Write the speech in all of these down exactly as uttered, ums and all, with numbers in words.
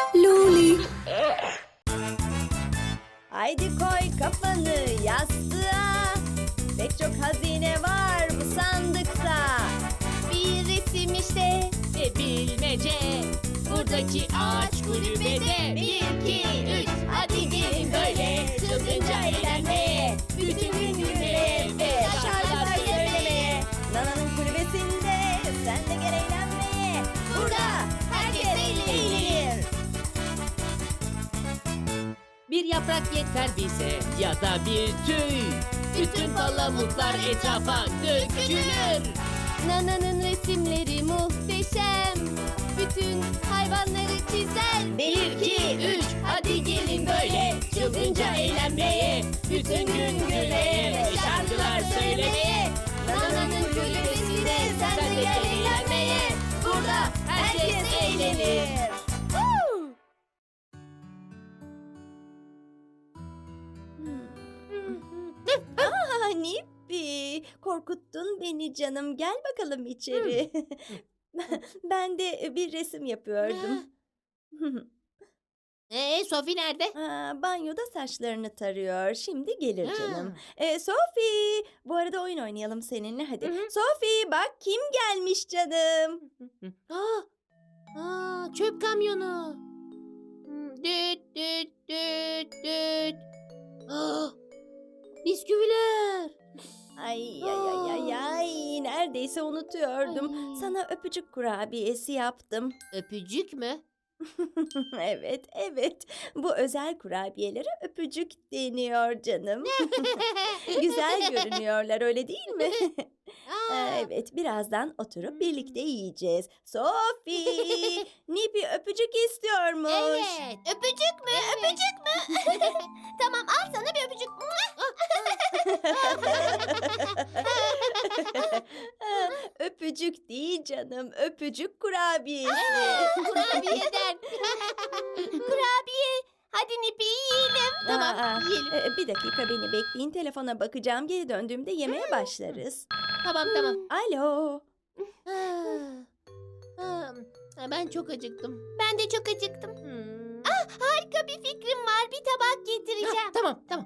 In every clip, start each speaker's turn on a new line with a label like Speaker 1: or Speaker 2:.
Speaker 1: Loli.
Speaker 2: Haydi koy kafanı yastığa. Pek çok hazine var bu sandıkta. Bir resim işte.
Speaker 3: Ve bilmece buradaki ağaç kulübede. Bir, iki, üç, hadi gelin böyle çılgınca eğlenmeye. Bütün gün gülmeye ve şarkılar söylemeye.
Speaker 2: Nana'nın kulübesinde sen de gel eğlenmeye. Burada herkes eğlenir.
Speaker 3: Bir yaprak yeter bize ya da bir tüy. Bütün palamutlar etrafa dökülür.
Speaker 4: Nana'nın resimleri muhteşem. Bütün hayvanları çizer.
Speaker 3: Bir, iki, üç, hadi gelin böyle çılgınca eğlenmeye. Bütün gün gülmeye ve şarkılar söylemeye.
Speaker 2: Nana'nın kulübesinde sen de gel eğlenmeye. Burada herkes eğlenir. Aa, Nippi, korkuttun beni canım. Gel bakalım içeri. Ben de bir resim yapıyordum.
Speaker 3: Ee, Sophie nerede?
Speaker 2: Aa, banyoda saçlarını tarıyor. Şimdi gelir
Speaker 3: Ha.
Speaker 2: canım. Ee, Sophie, bu arada oyun oynayalım seninle hadi.
Speaker 3: Hı hı.
Speaker 2: Sophie, bak kim gelmiş canım.
Speaker 3: Aa, aa, çöp kamyonu. Hmm, Düt düt düt düt. Aa, bisküviler.
Speaker 2: Ay ay ay ay ay, neredeyse unutuyordum.
Speaker 3: Ay.
Speaker 2: Sana öpücük kurabiyesi yaptım.
Speaker 3: Öpücük mü?
Speaker 2: Evet, evet. Bu özel kurabiyelere öpücük deniyor canım. Güzel görünüyorlar, öyle değil mi?
Speaker 3: Aa,
Speaker 2: Evet, birazdan oturup birlikte yiyeceğiz. Sophie, Nipi öpücük istiyormuş.
Speaker 3: evet.
Speaker 4: Öpücük mü? Öpücük mü? Tamam, al sana bir öpücük.
Speaker 2: Öpücük değil canım, öpücük kurabiyesi.
Speaker 3: Kurabiyeden.
Speaker 4: Kurabiye. Hadi Nipi yiyelim.
Speaker 3: Tamam,
Speaker 2: Aa,
Speaker 3: yiyelim.
Speaker 2: e, Bir dakika beni bekleyin, telefona bakacağım. Geri döndüğümde yemeğe başlarız.
Speaker 3: Tamam tamam.
Speaker 2: Alo.
Speaker 3: Ah, ah, ben çok acıktım.
Speaker 4: Ben de çok acıktım.
Speaker 3: Hmm.
Speaker 4: Harika bir fikrim var. Bir tabak
Speaker 3: Ah,
Speaker 4: getireceğim.
Speaker 3: tamam tamam.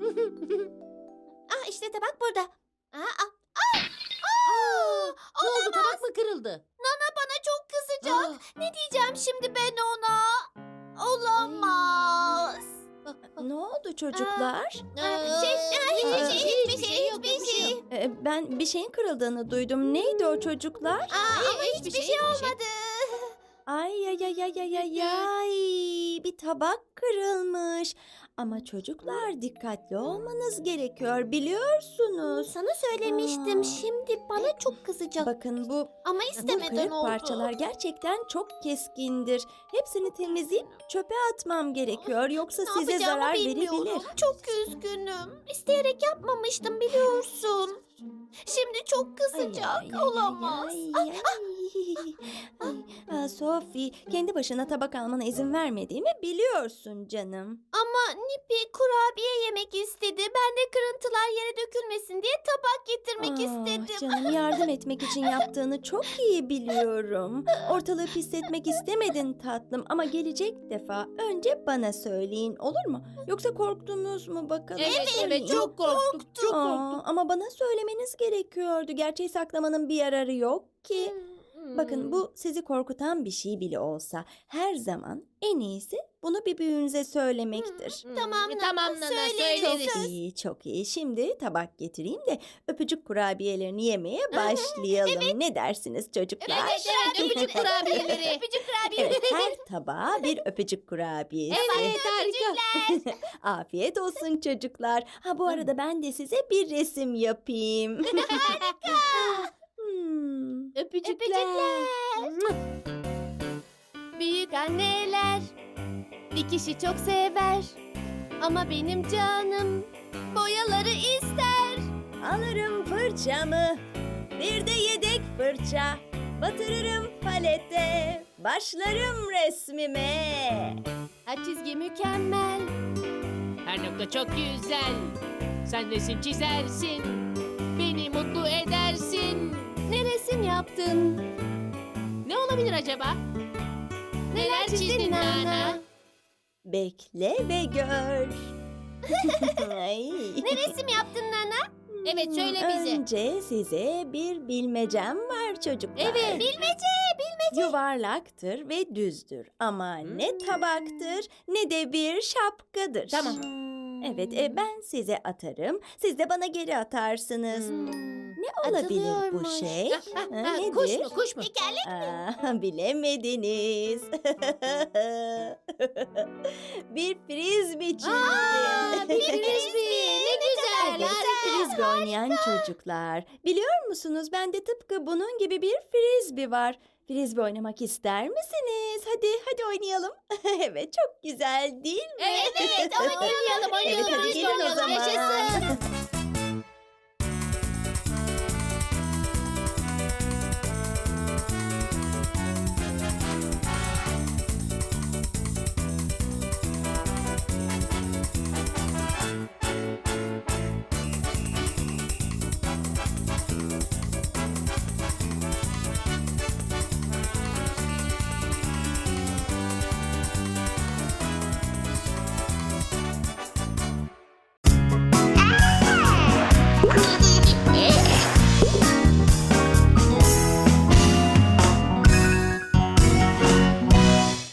Speaker 4: Ah işte tabak burada. Aa, aa, aa,
Speaker 3: Aa, ne oldu, tabak mı kırıldı?
Speaker 4: Nana bana çok kızacak.
Speaker 3: Ah,
Speaker 4: Ne diyeceğim şimdi ben ona? Olamaz.
Speaker 3: ah, ah.
Speaker 2: Ne oldu çocuklar?
Speaker 4: Aa, şey,
Speaker 3: Aa,
Speaker 4: hiçbir şey, hiçbir şey,
Speaker 3: yok,
Speaker 4: hiçbir şey.
Speaker 3: yok.
Speaker 2: E, Ben bir şeyin kırıldığını duydum. Neydi o çocuklar?
Speaker 4: Aa, ama
Speaker 3: Hiçbir
Speaker 4: hiçbir
Speaker 3: şey,
Speaker 4: şey
Speaker 3: hiçbir şey.
Speaker 4: olmadı.
Speaker 2: Ay ay ay ay ay ay ay. Bir tabak kırılmış. Ama çocuklar dikkatli olmanız gerekiyor biliyorsunuz.
Speaker 4: Sana söylemiştim.
Speaker 2: Aa.
Speaker 4: Şimdi bana çok kızacak.
Speaker 2: Bakın bu
Speaker 4: Ama
Speaker 2: bu
Speaker 4: istemeden
Speaker 2: kırık
Speaker 4: oldu.
Speaker 2: parçalar gerçekten çok keskindir. Hepsini temizleyip çöpe atmam gerekiyor. Yoksa
Speaker 4: Ne
Speaker 2: size
Speaker 4: yapacağımı
Speaker 2: zarar
Speaker 4: bilmiyorum.
Speaker 2: verebilir.
Speaker 4: Çok üzgünüm. İsteyerek yapmamıştım biliyorsun. Şimdi çok
Speaker 2: Ay,
Speaker 4: kızacak.
Speaker 2: ay, ay,
Speaker 4: Olamaz.
Speaker 2: ay, ay, ay. Ay, aa, Sophie, kendi başına tabak almana izin vermediğimi biliyorsun canım.
Speaker 4: Ama Nipi kurabiye yemek istedi. Ben de kırıntılar yere dökülmesin diye tabak getirmek
Speaker 2: Ah,
Speaker 4: istedim.
Speaker 2: Canım, yardım etmek için yaptığını çok iyi biliyorum. Ortalığı pisletmek istemedin tatlım ama gelecek defa önce bana söyleyin, olur mu? Yoksa korktunuz mu bakalım?
Speaker 3: Evet
Speaker 2: Söyleyin.
Speaker 3: evet çok korktuk. Çok
Speaker 2: Aa,
Speaker 3: korktuk.
Speaker 2: ama bana söylemeniz gerekiyordu. Gerçeği saklamanın bir yararı yok ki.
Speaker 3: Hmm.
Speaker 2: Bakın, bu sizi korkutan bir şey bile olsa her zaman en iyisi bunu bir büyüğünüze söylemektir.
Speaker 3: Hmm.
Speaker 4: Tamam,
Speaker 3: E,
Speaker 4: Nana,
Speaker 3: tamam Nana
Speaker 4: söyleriz.
Speaker 3: söyleriz.
Speaker 2: Çok iyi, çok iyi. Şimdi tabak getireyim de öpücük kurabiyelerini yemeye başlayalım. Ne dersiniz çocuklar?
Speaker 3: Evet evet öpücük kurabiyeleri.
Speaker 4: Öpücük kurabiye.
Speaker 2: Evet, her tabağa bir öpücük kurabiyesi.
Speaker 3: Evet harika.
Speaker 2: Afiyet olsun çocuklar. Ha, bu arada ben de size bir resim yapayım. Harika. Hmm.
Speaker 3: Öpücükler.
Speaker 4: Büyük anneler dikişi çok sever. Ama benim canım boyaları ister.
Speaker 2: Alırım fırçamı, bir de yedek fırça. Batırırım palete, başlarım resmime.
Speaker 4: Her çizgi mükemmel.
Speaker 3: Her nokta çok güzel. Sen resim çizersin. Beni mutlu edersin.
Speaker 4: Ne resim yaptın?
Speaker 3: Ne olabilir acaba? Neler çizdin Nana?
Speaker 2: Bekle ve gör. Ay.
Speaker 4: Ne resim yaptın Nana?
Speaker 3: Evet, söyle bize.
Speaker 2: Önce size bir bilmecem var çocuklar.
Speaker 3: Evet.
Speaker 4: Bilmece, bilmece.
Speaker 2: Yuvarlaktır ve düzdür ama ne tabaktır ne de bir şapkadır.
Speaker 3: Tamam.
Speaker 2: Evet, e, ben size atarım, siz de bana geri atarsınız. Ne olabilir bu
Speaker 4: Atılıyormuş.
Speaker 2: şey?
Speaker 3: Ah, ah,
Speaker 2: Ha,
Speaker 3: ah,
Speaker 2: nedir?
Speaker 3: kuş mu kuş mu?
Speaker 4: Tekerlek.
Speaker 2: Aa, bilemediniz. Bir frisbee çizdim.
Speaker 3: Aa, bir frisbee. Ne güzel.
Speaker 2: Evet, frisbee oynayan çocuklar. Biliyor musunuz, bende tıpkı bunun gibi bir frisbee var. Frisbee oynamak ister misiniz? Hadi, hadi oynayalım. Evet, çok güzel değil mi?
Speaker 3: Evet evet. Oynayalım oynayalım.
Speaker 2: Evet, hadi
Speaker 3: Frisbee
Speaker 2: gelin o
Speaker 3: oynayalım.
Speaker 2: zaman.
Speaker 3: Yaşasın.